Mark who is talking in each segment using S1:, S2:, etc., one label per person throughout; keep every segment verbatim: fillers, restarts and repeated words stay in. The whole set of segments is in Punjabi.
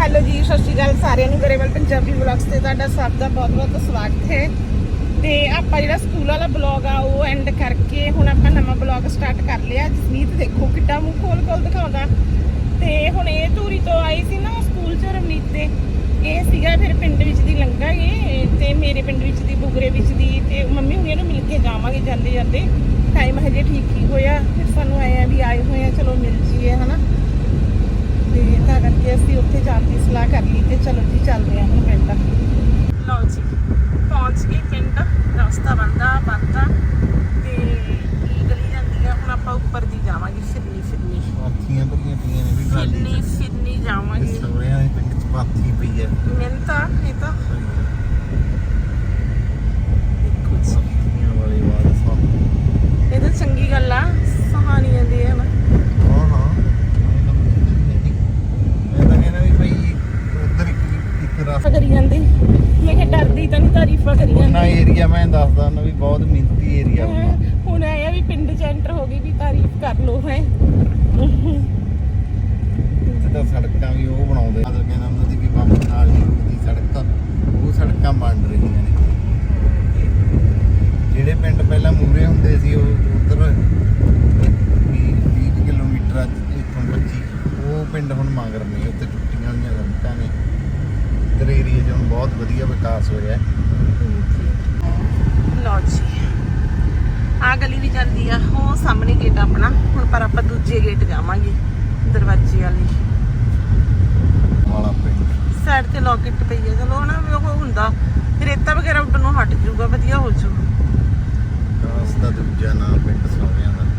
S1: ਹੈਲੋ ਜੀ, ਸਤਿ ਸ਼੍ਰੀ ਅਕਾਲ ਸਾਰਿਆਂ ਨੂੰ। ਗਰੇਵਾਲ ਪੰਜਾਬੀ ਵਲੌਗਸ ਤੇ ਤੁਹਾਡਾ ਸਭ ਦਾ ਬਹੁਤ ਬਹੁਤ ਸਵਾਗਤ ਹੈ। ਤੇ ਆਪਾਂ ਜਿਹੜਾ ਸਕੂਲ ਵਾਲਾ ਬਲੌਗ ਆ ਉਹ ਐਂਡ ਕਰਕੇ ਹੁਣ ਆਪਾਂ ਨਵਾਂ ਬਲੌਗ ਸਟਾਰਟ ਕਰ ਲਿਆ। ਜਸਮੀਤ ਦੇਖੋ ਕਿੱਡਾ ਮੂੰਹ ਖੋਲ ਖੋਲ ਦਿਖਾਉਂਦਾ। ਤੇ ਹੁਣ ਇਹ ਧੂਰੀ ਤੋਂ ਆਈ ਸੀ ਨਾ ਸਕੂਲ ਚ ਰਵਨੀਤ ਦੇ, ਇਹ ਸੀਗਾ ਫਿਰ ਪਿੰਡ ਵਿੱਚ ਦੀ ਲੰਘਾਂਗੇ ਤੇ ਮੇਰੇ ਪਿੰਡ ਵਿੱਚ ਦੀ ਬੁਗਰੇ ਵਿੱਚ ਦੀ, ਤੇ ਮੰਮੀ ਹੁਣੀਆਂ ਨੂੰ ਮਿਲ ਕੇ ਜਾਵਾਂਗੇ ਜਾਂਦੇ ਜਾਂਦੇ। ਟਾਈਮ ਹਜੇ ਠੀਕ ਹੀ ਹੋਇਆ, ਫਿਰ ਸਾਨੂੰ ਆਏ ਆ ਵੀ ਆਏ ਹੋਏ ਆ, ਚਲੋ ਮਿਲ ਜੀਏ ਹਨਾ। ਤੇ ਤਾਂ ਕਰਕੇ ਅਸੀਂ ਉੱਥੇ ਜਾਣ ਦੀ ਸਲਾਹ ਕਰ ਲਈ ਤੇ ਚਲੋ ਜੀ ਚੱਲਦੇ ਹਾਂ ਹੁਣ ਪਿੰਡ। ਲਓ ਜੀ ਪਹੁੰਚ ਗਏ ਪਿੰਡ, ਰਸਤਾ ਬਣਦਾ ਬਣਦਾ ਤੇ ਇਹ ਗਲੀ ਜਾਂਦੀ ਆ। ਹੁਣ ਆਪਾਂ ਉੱਪਰ ਦੀ ਜਾਵਾਂਗੇ, ਫਿਰਨੀ ਫਿਰਨੀ
S2: ਪਾਥੀਆਂ ਭਰੀਆਂ ਪਈਆਂ ਨੇ ਵੀ ਟਰਾਲੀ
S1: ਫਿਰਨੀ ਫਿਰਨੀ ਜਾਵਾਂਗੇ।
S2: ਸੋਹਰਿਆਂ ਦੇ ਪਿੰਡ ਚ ਪਾਥੀ ਪਈ ਹੈ।
S1: ਮੈਨੂੰ ਤਾਂ ਇਹ ਤਾਂ ਦੇਖੋ ਜੀ,
S2: ਪਾਥੀਆਂ ਵਾਲੀ ਬਾਤ ਸਾਹ
S1: ਇਹ ਤਾਂ ਚੰਗੀ ਗੱਲ ਆ, ਸਹਾਨੀਆਂ ਦੇ ਹੈ ਨਾ।
S2: ਹਾਂ ਹਾਂ ਮੈਂ ਤਾਂ ਕਹਿੰਦਾ ਵੀ ਭਾਈ ਉਧਰ ਇੱਕ ਇੱਕ ਰਸਤਾ
S1: ਕਰੀ ਜਾਂਦੀ, ਮੈਂ ਕਿਹਾ ਡਰਦੀ ਤਾਂ ਨਹੀਂ, ਤਾਰੀਫਾਂ ਕਰੀ
S2: ਨਾ
S1: ਜਾਂਦੀ।
S2: ਏਰੀਆ ਮੈਂ ਦੱਸਦਾ ਉਹਨੂੰ ਵੀ ਬਹੁਤ ਮਿਹਨਤੀ ਏਰੀਆ ਹੁੰਦਾ।
S1: ਹੁਣ ਆਇਆ ਵੀ ਪਿੰਡ ਚ ਐਂਟਰ ਹੋ ਗਈ ਵੀ ਤਾਰੀਫ ਕਰ ਲੋ ਹੈ।
S2: ਇੱਥੇ ਤਾਂ ਸੜਕਾਂ ਵੀ ਉਹ ਬਣਾਉਂਦੇ ਆ, ਕਹਿੰਦਾ ਉਹਨਾਂ ਦੀ ਵੀ ਬੰਬ ਨਾਲ ਨਹੀਂ ਰੁਕਦੀ ਸੜਕ, ਉਹ ਸੜਕਾਂ ਬਣ ਰਹੀਆਂ ਨੇ। ਜਿਹੜੇ ਪਿੰਡ ਪਹਿਲਾਂ ਮੂਰੇ ਹੁੰਦੇ ਸੀ ਉਹ ਉਧਰ ਵੀਹ ਕਿਲੋਮੀਟਰ ਇੱਥੋਂ ਪੱਚੀ, ਉਹ ਪਿੰਡ ਹੁਣ ਮਗਰ ਨੇ, ਉੱਥੇ ਟੁੱਟੀਆਂ ਹੋਈਆਂ ਸੜਕਾਂ ਨੇ। ਇੱਧਰ ਏਰੀਆ 'ਚ ਹੁਣ ਬਹੁਤ ਵਧੀਆ ਵਿਕਾਸ ਹੋਇਆ।
S1: ਲਓ ਜੀ ਆ ਗਲੀ ਵੀ ਜਾਂਦੀ ਆ, ਉਹ ਸਾਹਮਣੇ ਗੇਟ ਆਪਣਾ। ਹੁਣ ਪਰ ਆਪਾਂ ਦੂਜੇ ਗੇਟ ਜਾਵਾਂਗੇ, ਦਰਵਾਜ਼ੇ ਵਾਲੀ
S2: ਵਾਲਾ ਪਿੰਡ
S1: ਸਾਈਡ ਤੇ ਲੌਕਟ ਪਈ ਹੈ। ਚਲੋ ਨਾ ਵੀ ਉਹ ਹੁੰਦਾ ਰੇਤਾ ਵਗੈਰਾ ਉੱਡਣ ਨੂੰ ਹਟ ਜਾਊਗਾ, ਵਧੀਆ ਹੋ ਜਾਊਗਾ।
S2: ਕਾਸ ਦਾ ਦੂਜਾ ਨਾਂ ਪਿੰਡ ਸੋਹਰਿਆਂ ਦਾ।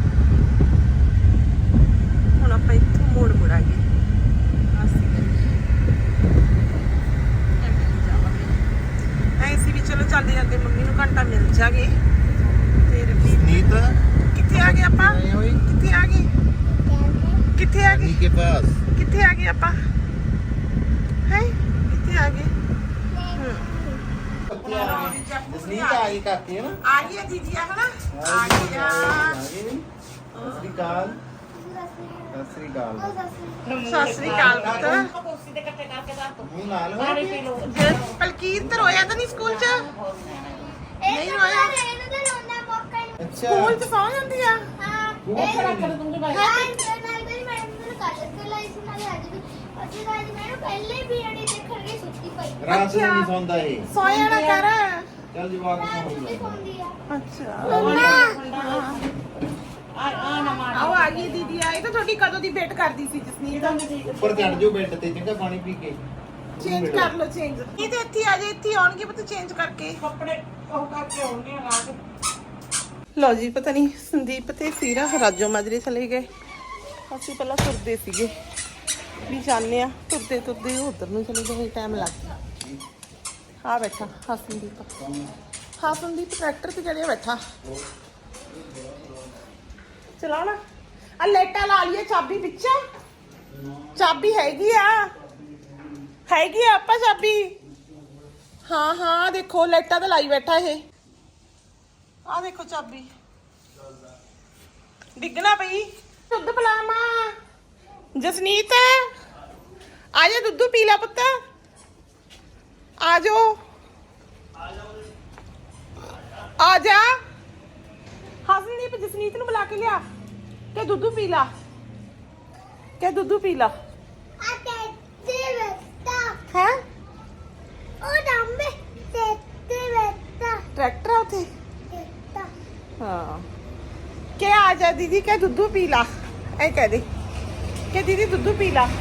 S1: ਹੁਣ ਆਪਾਂ ਇੱਥੋਂ ਮੋੜ ਮੁੜਾਂਗੇ, ਐ ਸੀ ਵੀ ਚਲੋ ਜਾਂਦੇ ਜਾਂਦੇ ਮੰਮੀ ਨੂੰ ਘੰਟਾ ਮਿਲ ਜਾਗੇ। ਤੇ ਰਵਨੀਤ
S2: ਨੀਤ
S1: ਕਿੱਥੇ ਆ ਗਏ ਆਪਾਂ? ਕਿੱਥੇ ਆ ਗਏ? ਕਿੱਥੇ ਆ ਗਏ?
S2: ਕੇ ਪਾਸ
S1: ਕਿੱਥੇ ਆ ਗਏ ਆਪਾਂ? ਹੈ ਕਿੱਥੇ ਆ ਗਏ?
S2: ਜਸਨੀਤ ਆ ਗਈ ਕਾਕੀ ਹੈ ਨਾ,
S1: ਆ ਗਈ ਦੀਦੀ ਆ ਹਨਾ, ਆ ਗਈ ਆ।
S2: ਸਤਿ ਸ੍ਰੀ ਅਕਾਲ। ਸਤਿ ਸ੍ਰੀ ਅਕਾਲ।
S1: ਸਤਿ ਸ੍ਰੀ ਅਕਾਲ ਪੁੱਤ।
S2: ਮੂੰਹ ਨਾਲ ਹੋ
S1: ਜੇ ਪਲਕੀਤ ਰੋਇਆ ਤਾਂ ਨਹੀਂ ਸਕੂਲ ਚ? ਨਹੀਂ ਰੋਇਆ?
S2: ਅੱਛਾ
S1: ਸਕੂਲ ਚ ਸੌ ਜਾਂਦੀ ਆ।
S2: ਰਾਤ ਨੂੰ ਨਹੀਂ ਸੌਂਦਾ ਇਹ।
S1: ਸੋਇਆ ਨਾ ਕਰ।
S2: ਚੱਲ ਜਵਾਕ ਸੌਂਦਾ।
S1: ਅੱਛਾ ਆਓ ਆ ਗਈ ਦੀਦੀ ਆਈ ਤਾਂ ਤੁਹਾਡੀ ਕਦੋਂ ਦੀ ਵੇਟ ਕਰਦੀ ਸੀ ਜਸਨੀਤ।
S2: ਉੱਪਰ ਚੜ ਜਾਓ ਬੈੱਡ ਤੇ, ਚੰਗਾ ਪਾਣੀ ਪੀ ਕੇ
S1: ਚੇਂਜ ਕਰ ਲਓ ਚੇਂਜ। ਇਹ ਤੇ ਇੱਥੇ ਆ ਜਾ, ਇੱਥੇ ਆਉਣਗੇ ਪਤਾ ਚੇਂਜ ਕਰਕੇ ਕੱਪੜੇ ਉਹ ਕਰਕੇ ਆਉਣਗੇ ਲਾ ਕੇ। ਲਓ ਜੀ ਪਤਾ ਨਹੀਂ ਸੰਦੀਪ ਤੇ ਸੀਰਾ ਰਾਜੋ ਮਾਜਰੇ ਚਲੇ ਗਏ। ਅਸੀਂ ਪਹਿਲਾਂ ਤੁਰਦੇ ਸੀਗੇ ਵੀ ਜਾਂਦੇ ਆ, ਤੁਰਦੇ ਤੁਰਦੇ ਉਧਰ ਨੂੰ ਚਲੇ ਗਏ, ਟਾਈਮ ਲੱਗ ਗਿਆ। ਆ ਬੈਠਾ ਹਸਨਦੀਪ, ਹਸਨਦੀਪ ਟਰੈਕਟਰ ਤੇ ਚੜਿਆ ਬੈਠਾ। ਚਲਾਓ ਨਾ ਆ ਲਾਈਟਾਂ ਲਾ ਲਈਏ, ਚਾਬੀ ਵਿੱਚ ਚਾਬੀ ਹੈਗੀ ਆ, ਹੈਗੀ ਆ ਆਪਾਂ ਚਾਬੀ। ਹਾਂ ਹਾਂ ਦੇਖੋ ਲਾਈਟਾਂ ਤਾਂ ਲਾਈ ਬੈਠਾ ਇਹ। ਆ ਦੇਖੋ ਚਾਬੀ ਡਿੱਗਣਾ ਪਈ। ਦੁੱਧ ਪਿਲਾਵਾਂ ਜਸਨੀਤ? ਆ ਜਾ ਦੁੱਧ ਪੀ ਲੈ ਪੁੱਤ, ਆ ਜਾਓ ਆ ਜਾ। ਹਸਨਦੀਪ ਜਸਨੀਤ ਨੂੰ ਬੁਲਾ ਕੇ ਲਿਆ ਕਿ ਦੁੱਧ ਪੀ ਲਾ, ਕਿ ਦੁੱਧ ਪੀ ਲਾ। ਹੈ ਟਰੈਕਟਰ ਆ ਉੱਥੇ। ਹਾਂ ਕਿ ਆ ਜਾ ਦੀਦੀ ਕਿ ਦੁੱਧ ਪੀ ਲਾ, ਐ ਕਹਿ ਦੇ ਕਿ ਦੀਦੀ ਦੁੱਧ ਪੀ ਲਾ।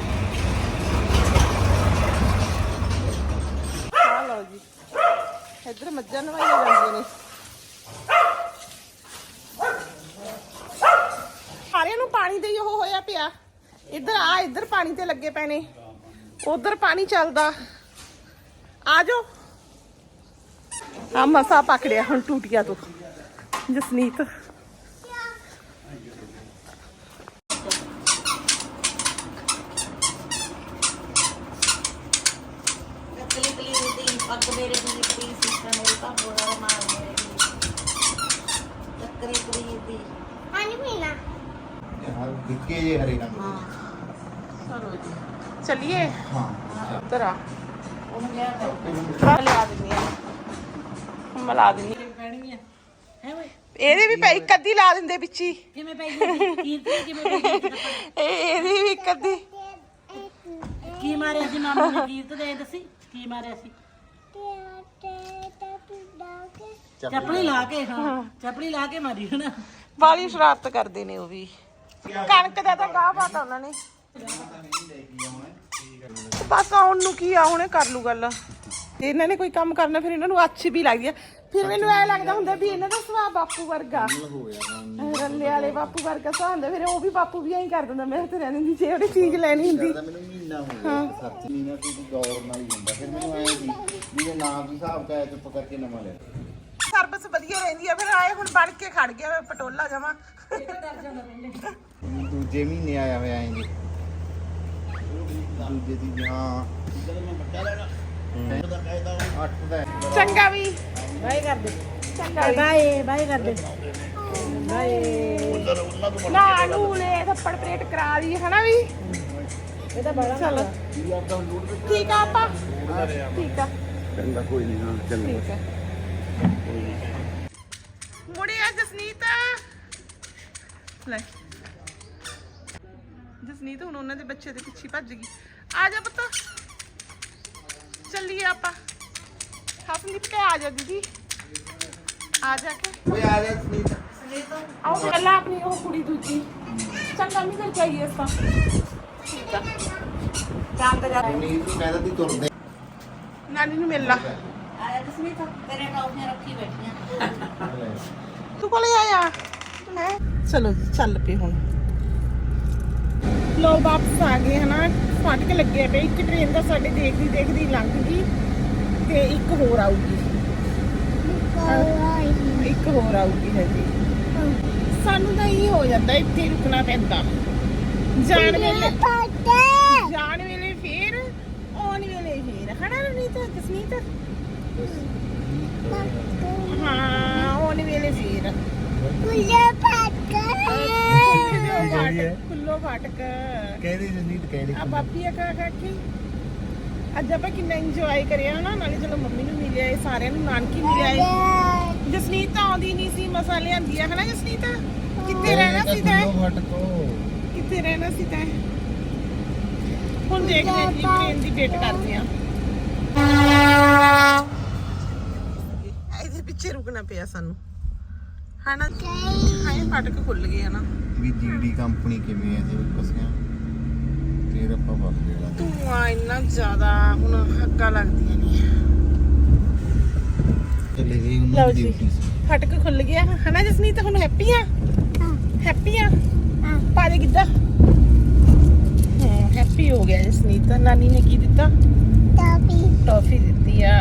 S1: ਆ ਲਓ ਜੀ ਇੱਧਰ ਮੱਝਾਂ ਨਵਾਈਆਂ ਜਾਂਦੀਆਂ ਨੇ। ਸਾਰਿਆਂ ਨੂੰ ਪਾਣੀ ਦੇ ਉਹ ਹੋਇਆ ਪਿਆ। ਇੱਧਰ ਆ, ਇੱਧਰ ਪਾਣੀ ਤੇ ਲੱਗੇ ਪਏ ਨੇ, ਉਧਰ ਪਾਣੀ ਚੱਲਦਾ। ਆ ਜਾਓ। ਆ ਮਸਾ ਪਕੜਿਆ ਹੁਣ ਟੂਟੀਆਂ ਤੋਂ ਜਸਨੀਤ।
S2: ਦਿੱਕੇ ਜੇ ਹਰੇ ਰੰਗ ਦੇ।
S1: चलो जी चलिए।
S2: हाँ
S1: ਉੱਧਰ ਆ
S3: ਉਹਨੂੰ ਕਿਹਾ ਕਰ
S1: ਮੈਂ ਲਿਆ ਦਿੰਦੀ ਆ ਮੈਂ ਲਾ ਦਿੰਦੀ
S3: ਪੈਣੀ ਆ ਹੈ ਓਏ
S1: ਇਹਦੇ ਵੀ ਪੈ ਇੱਕ ਅੱਧੀ ਲਾ ਦਿੰਦੇ ਵਿੱਚ ਹੀ
S3: ਕਿਵੇਂ ਪੈ ਗਈ ਕੀਰਤੀ ਕਿਵੇਂ ਪੈ ਗਈ
S1: ਇਹ ਇਹਦੀ ਵੀ ਇੱਕ ਅੱਧੀ
S3: ਕੀ ਮਾਰਿਆ ਸੀ ਮਾਮੂ ਨੇ ਕੀਰਤ ਦੇ ਦੱਸੀ ਕੀ ਮਾਰਿਆ ਸੀ ਚੱਪਲੀ ਲਾ ਕੇ ਹਾਂ ਚੱਪਲੀ ਲਾ ਕੇ ਮਾਰੀ ਹਨਾ
S1: ਵਾਲੀ ਸ਼ਰਾਰਤ ਕਰਦੇ ਨੇ ਉਹ ਵੀ ਕਣਕ ਦਾ ਤਾਂ ਗਾਹ ਪਾਤਾ ਉਹਨਾਂ ਨੇ ਬਸ ਆਉਣ ਨੂੰ ਕੀ ਆ ਹੁਣੇ ਕਰ ਲੂ ਗੱਲ ਇਹਨਾਂ ਨੇ ਕੋਈ ਕੰਮ ਕਰਨਾ ਫਿਰ ਇਹਨਾਂ ਨੂੰ ਅੱਛੀ ਵੀ ਲੱਗਦੀ ਆ ਫਿਰ ਮੈਨੂੰ ਐ ਲੱਗਦਾ ਹੁੰਦਾ ਵੀ ਇਹਨਾਂ ਦਾ ਸੁਭਾਅ ਬਾਪੂ ਵਰਗਾ ਰੱਲੇ ਵਾਲੇ ਬਾਪੂ ਵਰਗਾ ਸੁਭਾਅ ਹੁੰਦਾ ਫਿਰ ਉਹ ਵੀ ਬਾਪੂ ਵੀ ਐਂ ਕਰ ਦਿੰਦਾ ਮੈਂ ਤੇ ਰਹਿ ਦਿੰਦੀ ਜੇ ਉਹਦੀ ਚੀਜ਼ ਲੈਣੀ ਹੁੰਦੀ
S2: ਮੈਨੂੰ ਮਹੀਨਾ ਹੋ ਗਿਆ ਸੱਚ ਮਹੀਨਾ ਕੋਈ ਗੌਰ ਨਾਲ ਹੀ ਹੁੰਦਾ ਫਿਰ ਮੈਨੂੰ ਐ ਸੀ ਵੀ ਇਹ ਨਾਮ ਦੇ ਹਿਸਾਬ ਦਾ ਚੁੱਪ ਕਰਕੇ ਨਵਾਂ ਲੈ
S1: ਸਰਵਿਸ ਵਧੀਆ ਰਹਿੰਦੀ ਆ ਫਿਰ ਆਏ ਹੁਣ ਬਣ ਕੇ ਖੜ ਗਿਆ ਪਟੋਲਾ ਜਮਾ
S2: ਦੂਜੇ ਮਹੀਨੇ ਆਇਆ ਹੋਇਆ ਐਂ ਜੀ ਦੂਜੇ ਦੀ ਹਾਂ ਅੱਠ ਦਾ
S1: ਚੰਗਾ ਵੀ
S3: ਬਾਏ ਕਰ ਦੇ
S1: ਚੰਗਾ ਵੀ
S3: ਬਾਏ ਬਾਏ ਕਰ ਦੇ ਬਾਏ
S1: ਨਾ ਨੂਲੇ ਥੱਪੜ ਪਲੇਟ ਕਰਾ ਲਈ ਹਨਾ ਵੀ
S3: ਇਹ ਤਾਂ ਬੜਾ
S1: ਚਲੋ ਠੀਕ ਆ ਆਪਾਂ ਠੀਕ ਆ
S2: ਚੰਗਾ ਕੋਈ ਨਹੀਂ ਹਾਂ ਚੰਗਾ
S1: ਠੀਕ ਹੈ ਮੁੜਿਆ ਜਸਨੀਤ ਲੈ ਜਸਨੀਤ ਹੁਣ ਉਹਨਾਂ ਦੇ ਬੱਚੇ ਦੇ ਪਿੱਛੇ ਭੱਜ ਗਈ ਆ ਜਾ ਪੁੱਤ ਚੱਲੀਏ ਆਪਾਂ ਹਸਨਦੀਪ ਕੇ ਆ ਜਾ ਦੀਦੀ ਆ ਜਾ ਕੇ
S2: ਓਏ ਆ ਜਾ ਸੁਨੀਤਾ
S1: ਆਓ ਪਹਿਲਾਂ ਆਪਣੀ ਉਹ ਕੁੜੀ ਦੂਜੀ ਚੰਗਾ ਨਹੀਂ ਕਰ ਚਾਹੀਏ ਇਸ ਤਾਂ ਠੀਕ ਆ ਚਾਂਦ ਜਾ
S2: ਨੀਤ ਨੂੰ ਕਹਿੰਦਾ ਤੀ ਤੁਰਦੇ
S1: ਨਾਨੀ ਨੂੰ ਮਿਲ ਲਾ
S3: ਆਇਆ ਜਸਮੀਤ ਤੇਰੇ ਟੌਫੀਆਂ ਰੱਖੀ ਬੈਠੀਆਂ
S1: ਤੂੰ ਕੋਲੇ ਆਇਆ ਮੈਂ ਚਲੋ ਚੱਲ ਪਏ ਹੁਣ ਲੋ ਵਾਪਸ ਆ ਗਏ ਹਨਾ ਫਾਟਕ ਲੱਗੇ ਪਏ ਇੱਕ ਟ੍ਰੇਨ ਦਾ ਸਾਡੇ ਦੇਖਦੀ ਦੇਖਦੀ ਲੰਘ ਗਈ ਤੇ ਇੱਕ ਹੋਰ ਆਊਗੀ ਇੱਕ ਹੋਰ ਆਊਗੀ ਹਜੇ ਸਾਨੂੰ ਤਾਂ ਇਹ ਹੋ ਜਾਂਦਾ ਇੱਥੇ ਹੀ ਰੁਕਣਾ ਪੈਂਦਾ ਜਾਣ ਵੇਲੇ ਜਾਣ ਵੇਲੇ ਫੇਰ ਆਉਣ ਵੇਲੇ ਫੇਰ ਹਨਾ ਰਵਨੀਤ ਜਸਨੀਤ ਹਾਂ ਆਉਣ ਵੇਲੇ ਫੇਰ ਖੁੱਲੋ ਫਾਟਕ
S2: ਕਹਿੰਦੀ ਜਨੀਤ ਕਹਿੰਦੀ
S1: ਆ ਬਾਪੀ ਆ ਕਾ ਕਾਕੀ ਅੱਜ ਆਪਾਂ ਕਿੰਨਾ ਇੰਜੋਏ ਕਰਿਆ ਨਾ ਨਾਲੇ ਚਲੋ ਮੰਮੀ ਨੂੰ ਮਿਲਿਆ ਏ ਸਾਰਿਆਂ ਨੂੰ ਨਾਨਕੀ ਮਿਲਿਆ ਏ ਜਸਨੀਤ ਤਾਂ ਆਉਂਦੀ ਨਹੀਂ ਸੀ ਮਸਾ ਲਿਆਂਦੀ ਆ ਹਨਾ ਜਸਨੀਤ ਕਿੱਥੇ ਰਹਿਣਾ ਸੀ ਤੈਂ ਕਿੱਥੇ ਰਹਿਣਾ ਸੀ ਤੈਂ ਹੁਣ ਦੇਖਦੇ ਹਾਂ ਜੀ ਟ੍ਰੇਨ ਦੀ ਵੇਟ ਕਰਦੇ ਆ ਇਹਦੇ ਪਿੱਛੇ ਰੁਕਣਾ ਪਿਆ ਸਾਨੂੰ ਹਨਾ ਹਾਏ ਫਾਟਕ ਖੁੱਲ ਗਏ ਹਨਾ
S2: ਵੀ ਜੀਡੀ ਕੰਪਨੀ ਕਿਵੇਂ ਹੈ ਜੀ ਕਸਿਆ ਫਿਰ ਆਪਾਂ ਵੱਲ ਜਿਹੜਾ
S1: ਧੂਆਂ ਇੰਨਾ ਜ਼ਿਆਦਾ ਹੁਣ ਹੱਗਾ ਲੱਗਦੀਆਂ ਨੇ
S2: ਚਲੇ ਗਏ ਉਹਨਾਂ
S1: ਲਓ
S2: ਦੀ
S1: ਜੀ
S2: ਡਿਊਟੀ ਸੀ
S1: ਫਟਕ ਖੁੱਲ ਗਿਆ ਹਨਾ ਜਸਨੀਤ ਹੁਣ ਹੈਪੀ ਆ ਹੈਪੀ ਆ ਪਾ ਦੇ ਕਿੱਦਾਂ ਹਾਂ ਹੈਪੀ ਹੋ ਗਿਆ ਜਸਨੀਤ ਨਾਨੀ ਨੇ ਕੀ ਦਿੱਤਾ ਟਾਫੀ ਟਾਫੀ ਦਿੱਤੀ ਆ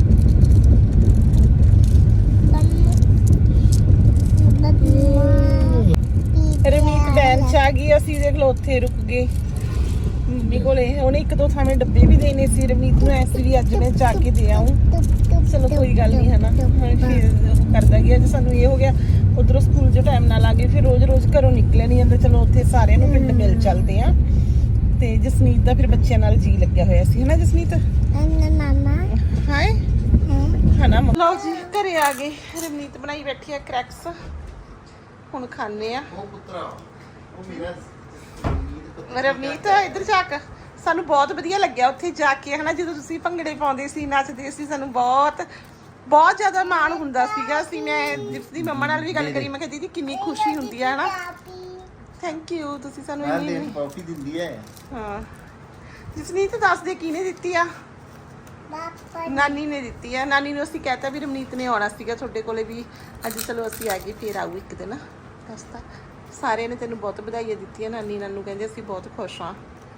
S1: ਰਮੀਤ ਬੈਨ ਚ ਆ ਗਈ ਅਸੀਂ ਦੇਖ ਲਓ ਉੱਥੇ ਰੁਕ ਗਏ ਮੰਮੀ ਕੋਲੇ ਉਹਨੇ ਇੱਕ ਦੋ ਥਾਵੇਂ ਡੱਬੇ ਵੀ ਦੇਣੇ ਸੀ ਰਮੀਤ ਨੂੰ ਐਸੀ ਵੀ ਅੱਜ ਮੈਂ ਜਾ ਕੇ ਦੇ ਆऊं ਚਲੋ ਕੋਈ ਗੱਲ ਨਹੀਂ ਹਨਾ ਫਿਰ ਉਹ ਕਰਦਾ ਗਿਆ ਜੇ ਸਾਨੂੰ ਇਹ ਹੋ ਗਿਆ ਉਧਰੋਂ ਸਕੂਲ ਜੋ ਟਾਈਮ ਨਾਲ ਆ ਗਏ ਫਿਰ ਰੋਜ਼ ਰੋਜ਼ ਘਰੋਂ ਨਿਕਲਿਆ ਨਹੀਂ ਜਾਂਦਾ ਚਲੋ ਉੱਥੇ ਸਾਰਿਆਂ ਨੂੰ ਪਿੰਡ ਮਿਲ ਚੱਲਦੇ ਆ ਤੇ ਜਸਨੀਤ ਦਾ ਫਿਰ ਬੱਚਿਆਂ ਨਾਲ ਜੀ ਲੱਗਿਆ ਹੋਇਆ ਸੀ ਹਨਾ ਜਸਨੀਤ ਹਾਏ ਹਨਾ ਲਓ ਜੀ ਘਰੇ ਆ ਗਏ ਰਮਨੀਤ ਬਣਾਈ ਬੈਠੀ ਆ ਕ੍ਰੈਕਸ ਹੁਣ ਖਾਣੇ ਆ
S2: ਉਹ ਪੁੱਤਰਾ ਉਹ ਮੇਰਾ
S1: ਰਵਨੀਤ ਇੱਧਰ ਝਾਕ ਸਾਨੂੰ ਬਹੁਤ ਵਧੀਆ ਲੱਗਿਆ ਉੱਥੇ ਜਾ ਕੇ ਹਨਾ ਜਦੋਂ ਤੁਸੀਂ ਭੰਗੜੇ ਪਾਉਂਦੇ ਸੀ ਨੱਚਦੇ ਸੀ ਸਾਨੂੰ ਬਹੁਤ ਬਹੁਤ ਜ਼ਿਆਦਾ ਮਾਣ ਹੁੰਦਾ ਸੀਗਾ ਅਸੀਂ ਮੈਂ ਜਿਸ ਦੀ ਮੰਮਾ ਨਾਲ ਵੀ ਗੱਲ ਕਰੀ ਮੈਂ ਕਿਹਾ ਦੀਦੀ ਕਿੰਨੀ ਖੁਸ਼ੀ ਹੁੰਦੀ ਹੈ ਹਨਾ ਥੈਂਕ ਯੂ ਤੁਸੀਂ ਸਾਨੂੰ
S2: ਆ
S1: ਇੰਨੀ
S2: ਲੈ ਕਾਫੀ ਦਿੰਦੀ ਹੈ
S1: ਹਾਂ ਜਸਨੀਤ ਦੱਸ ਦੇ ਕਿਹਨੇ ਦਿੱਤੀ ਆ ਨਾਨੀ ਨੇ ਦਿੱਤੀ ਆ ਨਾਨੀ ਨੂੰ ਅਸੀਂ ਕਹਿਤਾ ਵੀ ਰਮਨੀਤ ਨੇ ਆਉਣਾ ਸੀਗਾ ਤੁਹਾਡੇ ਕੋਲੇ ਵੀ ਅੱਜ ਚਲੋ ਅਸੀਂ ਆ ਗਏ ਫੇਰ ਆਊ ਇੱਕ ਦਿਨ ਦੱਸਤਾ ਸਾਰਿਆਂ ਨੇ ਤੈਨੂੰ ਬਹੁਤ ਵਧਾਈਆਂ ਦਿੱਤੀਆਂ ਨਾਨੀ ਨਾਨੂ ਕਹਿੰਦੇ ਅਸੀਂ ਬਹੁਤ ਖੁਸ਼ ਹਾਂ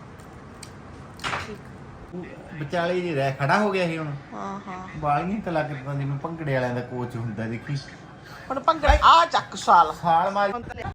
S2: ਵਿਚਾਲੇ ਜੀ ਰਹਿ ਖੜਾ ਹੋ ਗਿਆ ਸੀ ਹੁਣ
S1: ਹਾਂ ਹਾਂ
S2: ਬਾਲੀਆਂ ਕਲਾਕਾਰਾਂ ਜਿਵੇਂ ਭੰਗੜੇ ਵਾਲਿਆਂ ਦਾ ਕੋਚ ਹੁੰਦਾ ਦੇਖੀ
S1: ਹੁਣ ਭੰਗੜਾ ਆ ਚੱਕ ਸਾਲ
S2: ਛਾਲ ਮਾਰ